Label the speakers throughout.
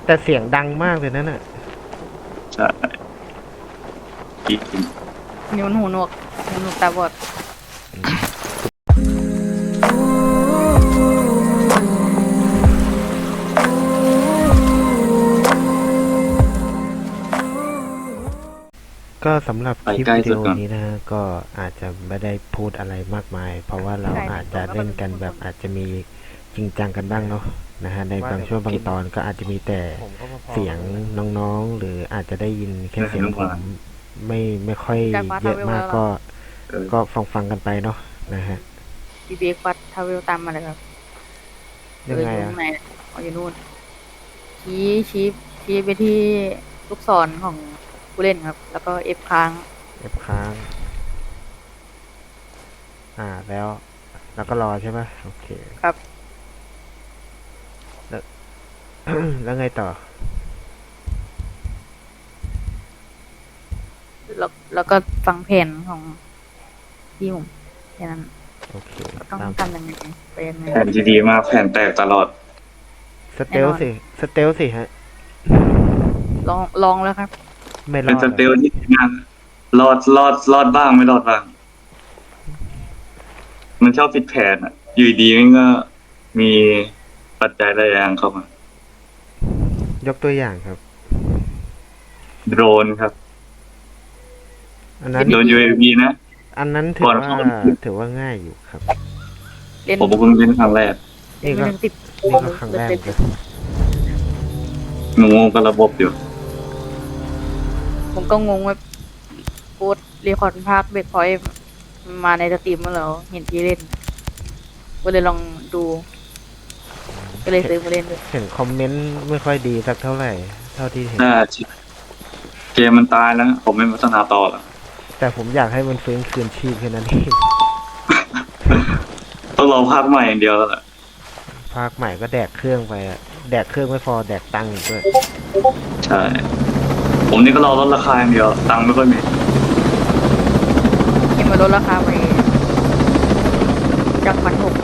Speaker 1: แต่เสียงดังมากเลยนั่นน่ะ
Speaker 2: ใช่กิน
Speaker 3: นิ้วหูหนวกนิ้วหนวกตาบอด
Speaker 1: ก็สำหรับคลิปวิดีโอนี้นะฮะก็อาจจะไม่ได้พูดอะไรมากมายเพราะว่าเราอาจจะเล่นกันแบบอาจจะมีจริงจังกันบ้างเนาะนะฮะในบางช่วงบางตอนก็อาจจะมีแต่เสียงน้องๆหรืออาจจะได้ยินแค่เสียงผมไม่ค่อยเยอะมากก็ฟังกันไปเนาะนะฮะ
Speaker 3: บีเบกวัดทาเวลตามมาเลยครับ
Speaker 1: ยังไงอ่ะ
Speaker 3: อยู่นู่นชี้ไปที่ลูกศรของผู้เล่นครับแล้วก็Fค้าง
Speaker 1: แล้วก็รอใช่ไหมโอเค
Speaker 3: ครับ
Speaker 1: แล้วไงต่อ
Speaker 3: แล้วก็ฟังแผนของพี่ผมแค่นั้น
Speaker 1: โอเค
Speaker 3: ต้องทำยังไงไปยังไง
Speaker 2: แผ่นดีมากแผ่นแตกตลอด
Speaker 1: สเตลสิฮะ
Speaker 3: ลองแล้วครับ
Speaker 1: ไม่รอ
Speaker 2: เป็น
Speaker 1: ด
Speaker 2: สเตลที่งานรอดบ้างไม่รอดบ้างมันชอบผิดแผนอ่ะอยู่ดีมันก็มีปัจจัยหลายอย่างเข้ามาย
Speaker 1: กตัวอย่างครับ
Speaker 2: โดรนครับ
Speaker 1: อันนั้น
Speaker 2: โดน UAV นะ
Speaker 1: อันนั้นถือว่าง่ายอยู่ครับ
Speaker 2: ผมเพิ่งเล่นครั้งแรก
Speaker 1: นี่ก็ครั้งแรกเลย
Speaker 2: งงกับระบบอยู่
Speaker 3: ผมก็งงว่าโค้ดรีคอร์ดภาคเบรกพอยต์มาในสตรีมเมื่อเราเห็นพี่เล่นก็เลยลองดูก็เลยซื้อมาเล่นด้วย
Speaker 1: เห็นคอมเมนต์ไม่ค่อยดีสักเท่าไหร่เท่าที่เห็น
Speaker 2: เกมมันตายแล้วผมไม่พัฒนาต่อแล้ว
Speaker 1: แต่ผมอยากให้มันฟื้นคืนชีพแค่นั้นเอง
Speaker 2: ต้องรอภาคใหม่อย่างเดียวแล้วแหละ
Speaker 1: ภาคใหม่ก็แดกเครื่องไปอะแดกเครื่องไม่พอแดกตังค์อีกด้วย
Speaker 2: ใช่ผมนี่ก็รอลดราคาอย่างเดียวตังค์ไม่ค่อยมี
Speaker 3: ยังมาลดราคาไปจาก1,600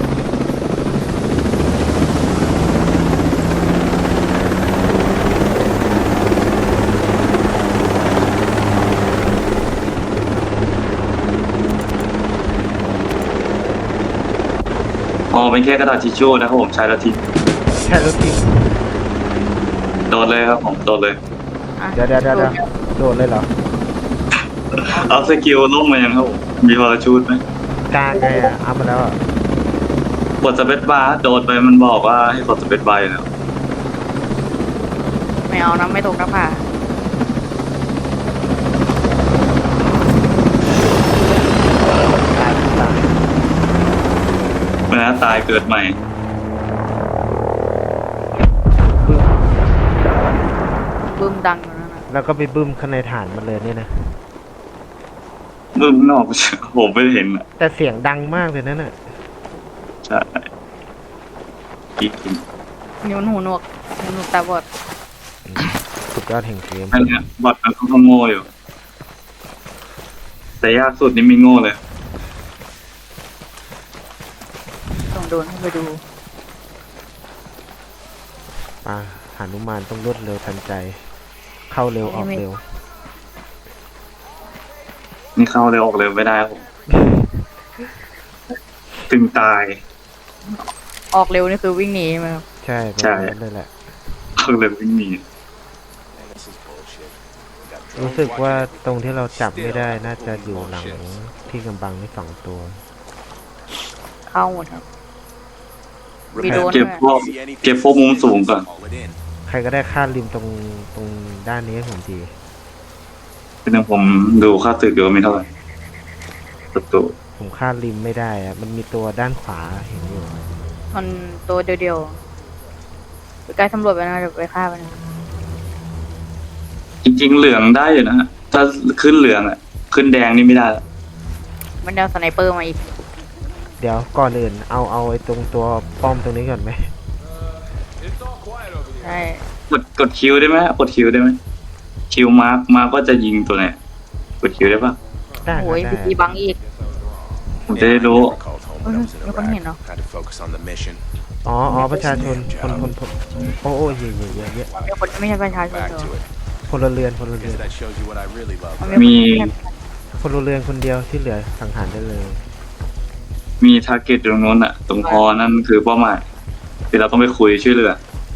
Speaker 2: เป็นแค่กระดาษทิชชู่นะครับผมใช้แล้วทิ้งโดดเลยครับผมโดดเลย
Speaker 1: เดี๋ยวโดดเลยเหรอ
Speaker 2: เอาสกิลล่มมายังครับผมมีพาราชูทไหม
Speaker 1: กลางไงอ่ะเอามาแล้ว
Speaker 2: กดสเปซบาร์โดดไปมันบอกว่าให้กดสเปซบาร์แล้ว
Speaker 3: ไม่เอานะไม่ตกกระผา
Speaker 2: เมื่อตายเกิดใหม่
Speaker 3: บึ้มดังอยู่นั่นนะ
Speaker 1: แล้วก็ไปบึ้มข้างในฐานมันเลยเนี่ยนะ
Speaker 2: บึ้มนอกผมไม่เห็น
Speaker 1: แต่เสียงดังมากเลยนั่นน่ะ
Speaker 2: ใช่กิน
Speaker 3: นิ้วหูหนวกตาบอด
Speaker 1: สุดยอดแห่งเกม
Speaker 2: อันนี้บอทมันก็โง่อยู่แต่ยากสุดนี่ไม่โง่เลย
Speaker 3: ต้องโดนให้ไปดู
Speaker 1: หานุมานต้องรวดเร็วทันใจเข้าเร็วออกเร็ว
Speaker 2: นี่เข้าเร็วออกเร็วไม่ได้ผมถึงตาย
Speaker 3: ออกเร็วนี่คือวิ่งหนีไหมครับ
Speaker 1: ใช่เลยแหละ
Speaker 2: ออกเร็ววิ่งหนี
Speaker 1: รู้สึกว่าตรงที่เราจับไม่ได้น่าจะอยู่หลังที่กำบังนี่2 ตัว
Speaker 3: เข้าหมดครับ
Speaker 2: เก็บพวกมุมสูงก่อน
Speaker 1: ใครก็ได้ค่าริมตรงด้านนี้ให้ผมที
Speaker 2: เป็นอย่างผมดูค่าตึกเดียวไม่เท่าไหร่ตัว
Speaker 1: ผมค่าริมไม่ได้อะมันมีตัวด้านขวาเห็นอยู่
Speaker 3: มันตัวเดียวไปใกล้ตำรวจไปนะเดี๋ยวไปฆ่าไปนะ
Speaker 2: จริงๆเหลืองได้อยู่นะถ้าขึ้นเหลืองอ่ะขึ้นแดงนี่ไม่ได้
Speaker 3: มันเอาสไนเปอร์มาอีก
Speaker 1: เดี๋ยวก่อนอื่นเอาไอ้ตรงตัวป้อมตรงนี้ก่อนไหม
Speaker 3: ใช่
Speaker 2: กดคิวได้ไหมกดคิวได้ไหมคิวมาร์กก็จะยิงตัวไหนกดคิวได้ปะ
Speaker 1: ได้
Speaker 3: โอ้ยมีบังอีก
Speaker 2: ผมจะได้รู้
Speaker 3: มีคนเห็นเนาะ
Speaker 1: อ๋อประชาชนคนโอ้เยอะ
Speaker 3: เดี๋ยวคนที่ไม่ใช่ประชาชน
Speaker 4: Back
Speaker 3: เหรอ
Speaker 4: to it.
Speaker 1: พลเรือน
Speaker 4: Guess that shows you what I really love.
Speaker 3: มัน
Speaker 2: มี
Speaker 1: พลเรือนคนเดียวที่เหลือสังหารได้เลย
Speaker 2: มีทาร์เก็ตตรงโน้นอะตรงคอนั่นคือเป้าหมายที่เราต้องไปคุยช่วยเหลือ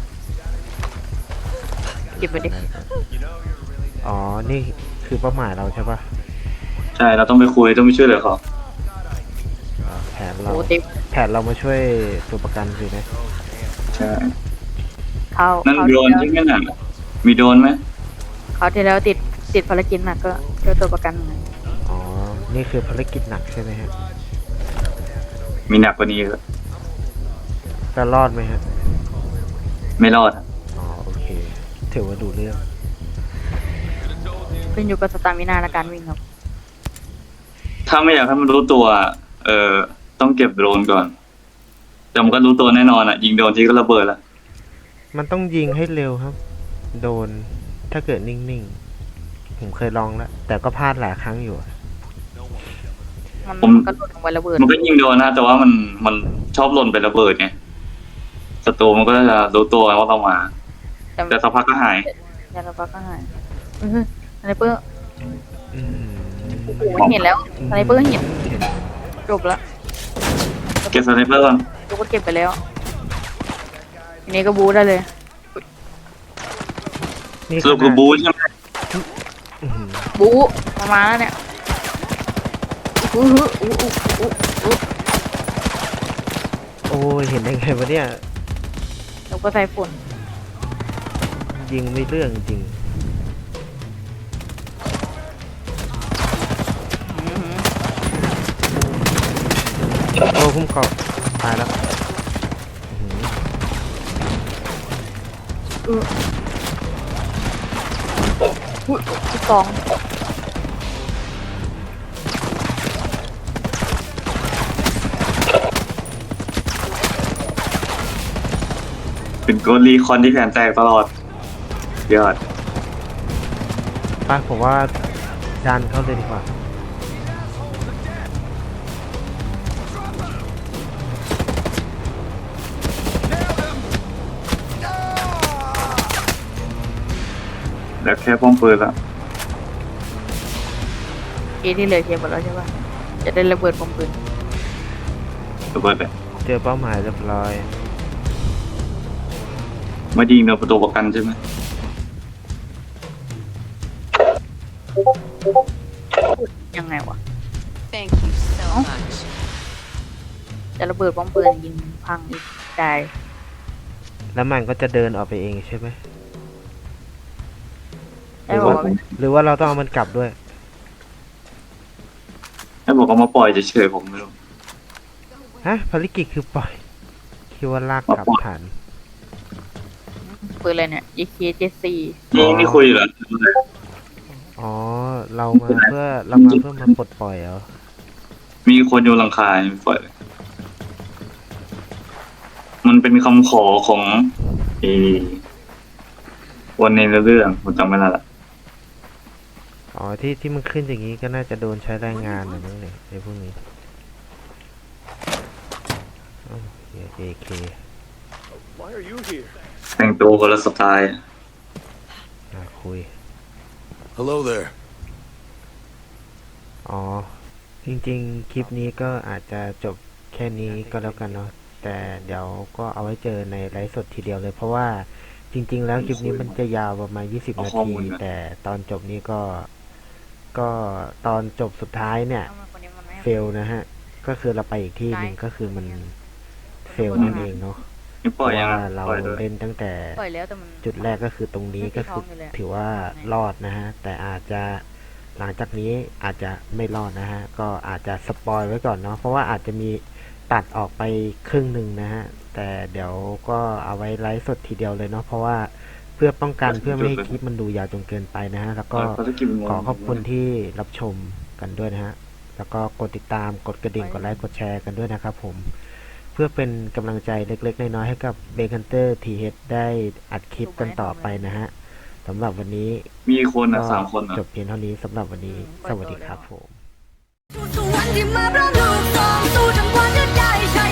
Speaker 3: เก็บไปดิ
Speaker 1: อ๋อ นี่คือเป้าหมายเราใช่ปะ
Speaker 2: ใช่เราต้องไปคุยต้องไปช่วยเหลือเขา
Speaker 1: อ๋อแผนเรา
Speaker 3: โอ้เต็ม
Speaker 1: แผนเรามาช่วยตัวประกันสินะ
Speaker 2: ใช่
Speaker 3: เขา
Speaker 2: นั่น
Speaker 3: เขา
Speaker 2: โดรน
Speaker 3: ที่
Speaker 2: ใช่ไหมน่ะมีโดรนไหม
Speaker 3: เขาที่แล้วติดภารกิจหนักก็ช่วยตัวประกันหน่อย
Speaker 1: อ๋อ นี่คือภารกิจหนักใช่ไหมฮะ
Speaker 2: มีหนักกว่านี้ก็
Speaker 1: จะรอดไหมฮะ
Speaker 2: ไม่รอดอะ
Speaker 1: อ๋อ โอเค ถือว่าดูเรื่อง
Speaker 3: ขึ้นอยู่กับสตามินาและการวิ่งครับ
Speaker 2: ถ้าไม่อยากให้มันรู้ตัว ต้องเก็บโดรนก่อนแต่มันก็รู้ตัวแน่นอนอะยิงโดรนที่ก็ระเบิดละ
Speaker 1: มันต้องยิงให้เร็วครับ โดน ถ้าเกิดนิ่งๆ ผมเคยลองแล้ว แต่ก็พลาดหลายครั้งอยู่อะ
Speaker 3: มันก็หล่นลงไประเบิด
Speaker 2: มันก็ยิงโดนนะแต่ว่ามันชอบหล่นไประเบิดไงศัตรูมันก็จะรู้ตัวว่าต้องมา แต่สักพักก็หาย
Speaker 3: ยาละพักก็หายสไนเปอร์
Speaker 1: อืม
Speaker 3: เห็นแล้วสไนเปอร์เห็นจบแล้ว
Speaker 2: เก็บสไนเปอร์ก่อน
Speaker 3: กูก็เก็บไปแล้วทีนี้ก็บูได้เลย
Speaker 1: นี่
Speaker 2: สรุปคือบูใช่ไหม
Speaker 1: อื้อหือ
Speaker 3: บูมาแล้วเนี่ยอู้หูอู้อู้อู้อู้
Speaker 1: โอ้ย เห็นได้ไงวะเนี่ย
Speaker 3: แล้วก็ใส่ฝุ่น
Speaker 1: ยิงไม่เรื่องจริง โอ้คุ้มกรอบตายแล้วอื้อหือ
Speaker 3: อุ้ยที่กอง
Speaker 2: เป็นโกลีคอนที่แขนแตกตลอดยอด
Speaker 1: ไปผมว่าดันเข้าเลยดีกว่า
Speaker 2: แล้วแค่ป้อมปืนละ
Speaker 3: ที่เหลือเคลียร์หมดแล้วใช่ป่ะจะได้ระเบิดปมปืน
Speaker 2: ระเบิดเลย
Speaker 1: เจอเป้าหมายเรียบร้อย
Speaker 2: มายิงโดนประตูประกันใช่ไหม
Speaker 3: ยังไงวะ
Speaker 5: Thank you so much.
Speaker 3: จะระเบิดปมปืนยิงพังอีกได้
Speaker 1: แล้วมันก็จะเดินออกไปเองใช่ไหม
Speaker 3: ได้บอกว่า
Speaker 1: หรือว่าเราต้องเอามันกลับด้วย
Speaker 2: ให้บอกเขามาปล่อยเฉยๆผมไม่รู้
Speaker 1: ฮะภารกิจคือปล่อย คิดว่าลากกลับฐาน
Speaker 3: ปืนอะไรเนี่ย EK74
Speaker 2: นี่คุยเหรอ
Speaker 1: อ๋อ เรามาเพื่อมาปลดปล่อยเหรอ
Speaker 2: มีคนอยู่หลังคาไม่ปล่อยเลยมันเป็นคำขอของวันในเรื่องผมจำไม่ได้ละ
Speaker 1: อ๋อที่มันขึ้นอย่างนี้ก็น่าจะโดนใช้แรงงานนะมั้งเนี่ยไอ้พวกนี้โอเค
Speaker 4: Why are you here?
Speaker 2: แต่งตัวคนละสไตล์
Speaker 1: คุย
Speaker 4: Hello there.
Speaker 1: อ๋อ จริงๆ คลิปนี้ก็อาจจะจบแค่นี้ก็แล้วกันเนาะ แต่เดี๋ยวก็เอาไว้เจอในไลฟ์สดทีเดียวเลย เพราะว่าจริงๆ แล้วคลิปนี้มันจะยาวประมาณ20 นาที แต่ตอนจบนี้ก็ตอนจบสุดท้ายเนี่ย เฟลนะฮะ ก็คือเราไปอีกที่หนึ่งก็คือมันเฟลนั่นเองเนาะ
Speaker 2: นี่
Speaker 1: เพ
Speaker 2: ปล่อย
Speaker 1: ราะ
Speaker 2: ยัง
Speaker 1: ว่า
Speaker 2: อะ
Speaker 1: เรา
Speaker 2: ปล่อยด้วย
Speaker 1: เล่นตั้งแต่
Speaker 3: ปล่อยแล้วแต่มัน
Speaker 1: จุดแรกก็คือตรงนี้ก็คือถือว่ารอดนะฮะ แต่อาจจะหลังจากนี้อาจจะไม่รอดนะฮะ ก็อาจจะสปอยไว้ก่อนเนาะ เพราะว่าอาจจะมีตัดออกไปครึ่งหนึ่งนะฮะ แต่เดี๋ยวก็เอาไว้ไลฟ์สดทีเดียวเลยเนาะ เพราะว่าเพื่อป้องกันเพื่อไม่ให้คลิปมันดูยาวจนเกินไปนะฮะ แล้วก็
Speaker 2: ภารกิจมันงง
Speaker 1: ขอขอบคุณที่รับชมกันด้วยนะฮะ แล้วก็กดติดตาม กดกระดิ่ง กดไลค์ กดแชร์กันด้วยนะครับผม เพื่อเป็นกำลังใจเล็กๆ น้อยๆ ให้กับเบคันเตอร์ทีเฮดได้อัดคลิปกันต่อไปนะฮะสำหรับวันนี้
Speaker 2: มีคนนะ
Speaker 1: ก็
Speaker 2: 3 คนนะ
Speaker 1: จบเพียงเท่านี้สำหรับวันนี้ สวัสดีครับผม
Speaker 6: ทุกวันที่มาเพราะลูกสองสู้ทั้งวันจะได้ใช้